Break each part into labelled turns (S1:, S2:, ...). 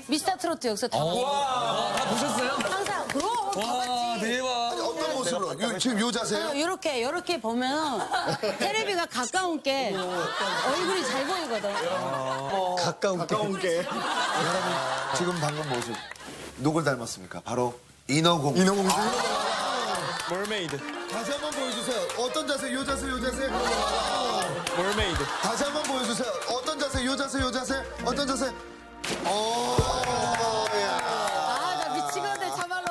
S1: 미스터 트로트 여기서 다 봤어.
S2: 다 보셨어요?
S1: 항상 그럼 다
S2: 와,
S1: 봤지.
S2: 대박.
S3: 아니, 어떤 모습으로? 지금 요 자세요?
S1: 요렇게 보면 테레비가 가까운 게 얼굴이 잘 보이거든.
S3: 가까운 게. 여러분, 지금 방금 모습. 누굴 닮았습니까? 바로 인어공주. 인어공주.
S4: 멀메이드.
S3: 다시 한번 보여주세요. 어떤 자세? 요 자세, 요 자세.
S4: 멀메이드.
S3: 다시 한번 보여주세요. 어떤 자세? 요 자세, 요 자세. 어떤 자세? 야.
S1: 아, 나 미치겠네, 참말로.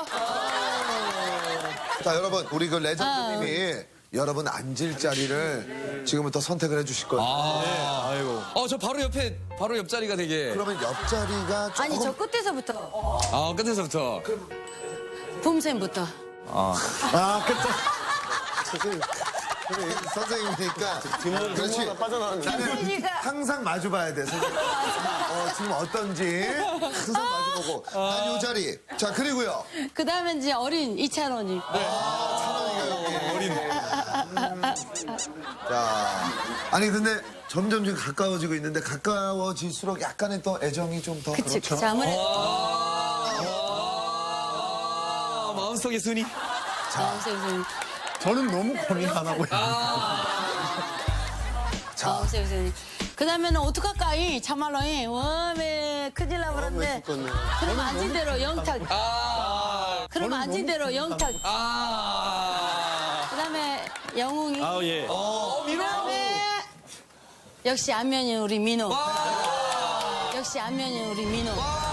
S3: 자, 여러분, 우리 그 레전드님이 여러분 앉을 자리를 지금부터 선택을 해주실 거예요.
S4: 아이고.
S2: 저 바로 옆자리가 되게.
S3: 그러면 옆자리가 조금
S1: 아니, 저 끝에서부터.
S2: 끝에서부터.
S1: 붐쌤부터.
S3: 선생님이니까 그렇지. 나는
S1: 선생님이니까.
S3: 항상 마주봐야 돼. 선생님. 지금 어떤지 항상 마주보고. 난 요 자리. 자, 그리고요.
S1: 그 다음에 이제 어린 이찬원이.
S3: 자, 아니 근데 점점 지금 가까워지고 있는데 가까워질수록 약간의 또 애정이 좀 더
S1: 그치,
S3: 그렇죠.
S1: 그치. 아무래도.
S2: 마음속의 순위.
S1: 마음쌤.
S4: 저는 너무 고민 안 하고.
S3: 자,
S1: 마음쌤. 그 다음에는 어떡할까, 참말로. 왜 큰일 나버렸네. 그럼 앉은 대로 영탁. 그럼 앉은 대로 영탁. 그 다음에 영웅이.
S4: 예.
S1: 그 다음에 역시 안면이 우리 민호. 역시 안면이 우리 민호.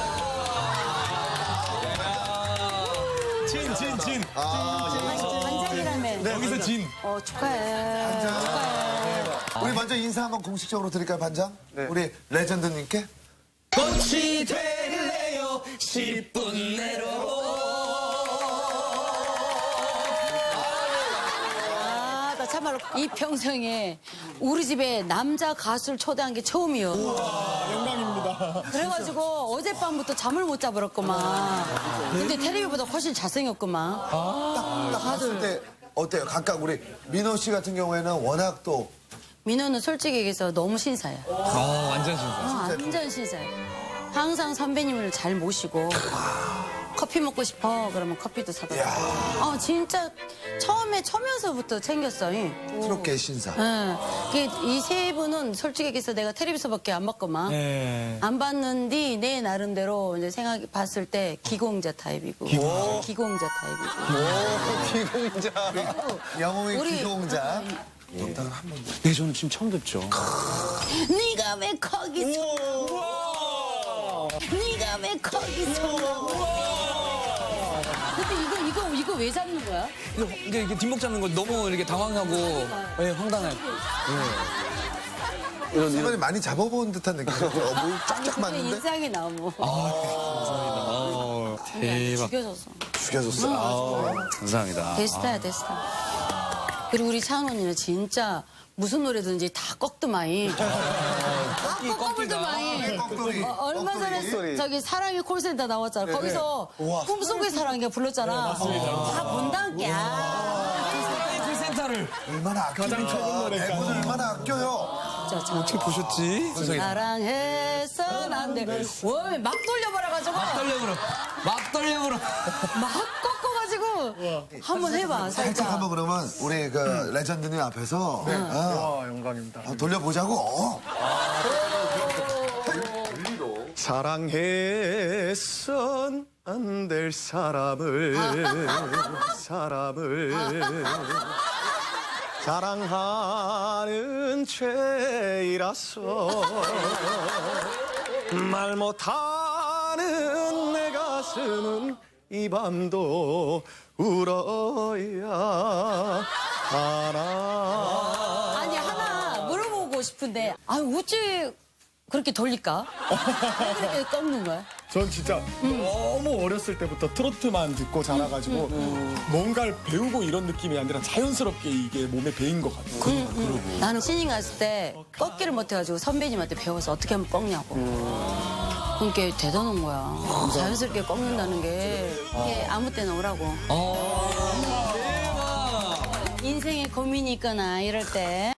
S4: 진.
S1: 반장이라며.
S2: 여기서 진.
S1: 축하해. 축하해.
S3: 우리 먼저 인사 한번 공식적으로 드릴까요, 반장? 우리 레전드님께.
S2: 꽃이 될래요 10분 내로.
S1: 나 참말로 이 평생에 우리 집에 남자 가수를 초대한 게 처음이요.
S4: 영광입니다.
S1: 그래가지고 어젯밤부터 잠을 못 자버렸구만. 근데 텔레비보다 훨씬 잘생겼구만.
S3: 딱 봤을 때 어때요? 각각 우리 민호 씨 같은 경우에는 워낙 또
S1: 민호는 솔직히 얘기해서 너무 신사야.
S2: 완전 신사.
S1: 완전 신사야. 항상 선배님을 잘 모시고 커피 먹고 싶어 그러면 커피도 사다 주고. 진짜 처음에 초면서부터 챙겼어.
S3: 트롯계 신사.
S1: 이 세 분은 솔직히 얘기해서 내가 텔레비서밖에 안 봤구만. 안 봤는데 내 나름대로 이제 생각 봤을 때 기공자 타입이고. 기공자 타입이고.
S4: 기공자.
S3: 영웅의
S1: 우리-
S3: 기동자. 영탁은 한 번도.
S4: 네, 저는 지금 처음 듣죠.
S1: 네가 왜 거기서 네가 왜 거기서 근데 이거 왜 잡는 거야?
S2: 이게 뒷목 잡는 거 너무 이렇게 당황하고 황당해.
S3: 이번에 많이 잡아본 듯한 느낌이죠. 뭘 쫙쫙 맞는데
S1: 인상이 너무
S2: 대박.
S1: 죽여줬어.
S3: 죽여줬어.
S2: 감사합니다.
S1: 대스타야 대스타. 그리고 우리 찬원이는 진짜 무슨 노래든지 다 꺾더마이. 꺾더마이.
S3: 꺾돌이.
S1: 얼마 전에 저기 사랑의 콜센터 나왔잖아. 거기서 꿈속의 사랑이가 불렀잖아. 다 본다니까.
S2: 그 센터를
S3: 얼마나 아껴요. 대본을 얼마나 아껴요.
S2: 어떻게 보셨지?
S1: 사랑해선 안 돼. 막 돌려버려가지고.
S2: 막 떨려버려.
S1: 막 꺾어가지고. 한번 해봐,
S3: 살짝
S1: 살짝.
S3: 한번 그러면 우리 그 레전드님 앞에서
S4: 와, 영광입니다.
S3: 돌려보자고.
S4: 사랑해선 안 될 사람을 사랑하는 죄이라서 말 못하는 내 가슴은 이 밤도 울어야 하나.
S1: 아니, 하나 물어보고 싶은데. 어찌 그렇게 돌릴까? 왜 그렇게 꺾는 거야?
S4: 전 진짜 너무 어렸을 때부터 트로트만 듣고 자라가지고 뭔가를 배우고 이런 느낌이 아니라 자연스럽게 이게 몸에 배인 것 같아요.
S1: 나는 신인 갔을 때 꺾기를 못해가지고 선배님한테 배워서 어떻게 하면 꺾냐고. 그게 대단한 거야. 자연스럽게 꺾는다는 게 이게 아무 때나 오라고.
S2: 대박.
S1: 인생에 고민이 있거나 이럴 때